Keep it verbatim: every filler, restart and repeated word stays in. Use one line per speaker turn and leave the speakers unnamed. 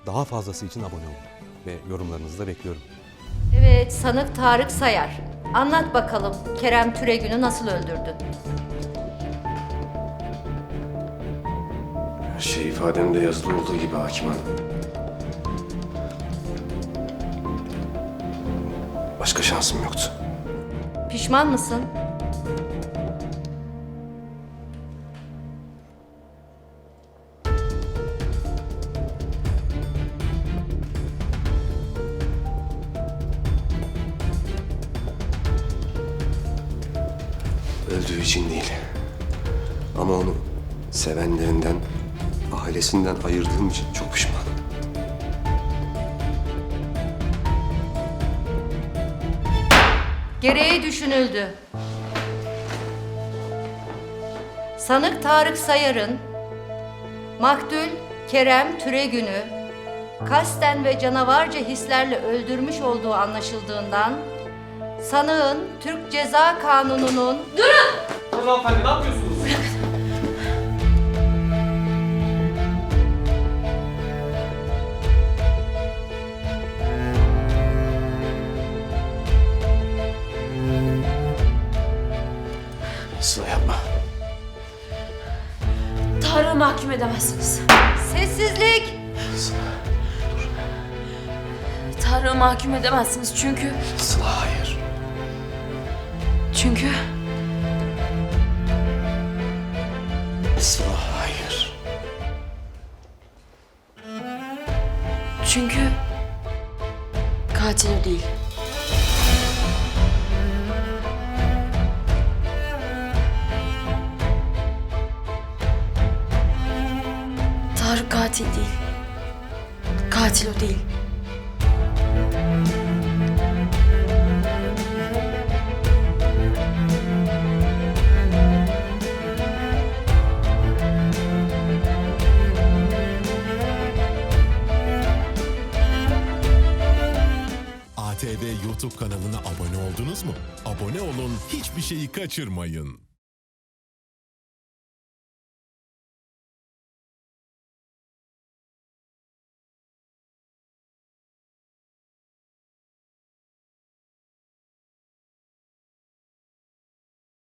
Daha fazlası için abone olun ve yorumlarınızı da bekliyorum.
Evet, sanık Tarık Sayar. Anlat bakalım, Kerem Türegün'ü nasıl öldürdün?
Her şey ifademde yazılı olduğu gibi hakim hanım. Başka şansım yoktu.
Pişman mısın?
Öldüğü için değil. Ama onu sevenlerinden, ailesinden ayırdığım için çok pişmanım.
Gereği düşünüldü. Sanık Tarık Sayar'ın maktul Kerem Türegün'ü kasten ve canavarca hislerle öldürmüş olduğu anlaşıldığından sanığın Türk Ceza Kanunu'nun
Hanımefendi ne yapıyorsunuz?
Sıla yapma.
Tarık'ı mahkum edemezsiniz.
sessizlik.
Sıla,
Tarık'ı mahkum edemezsiniz çünkü...
Sıla hayır.
Çünkü...
Sıla hayır.
Çünkü... Katil o değil. Tarık katil değil. Katil o değil.
A T V YouTube kanalına abone oldunuz mu? Abone olun, hiçbir şeyi kaçırmayın.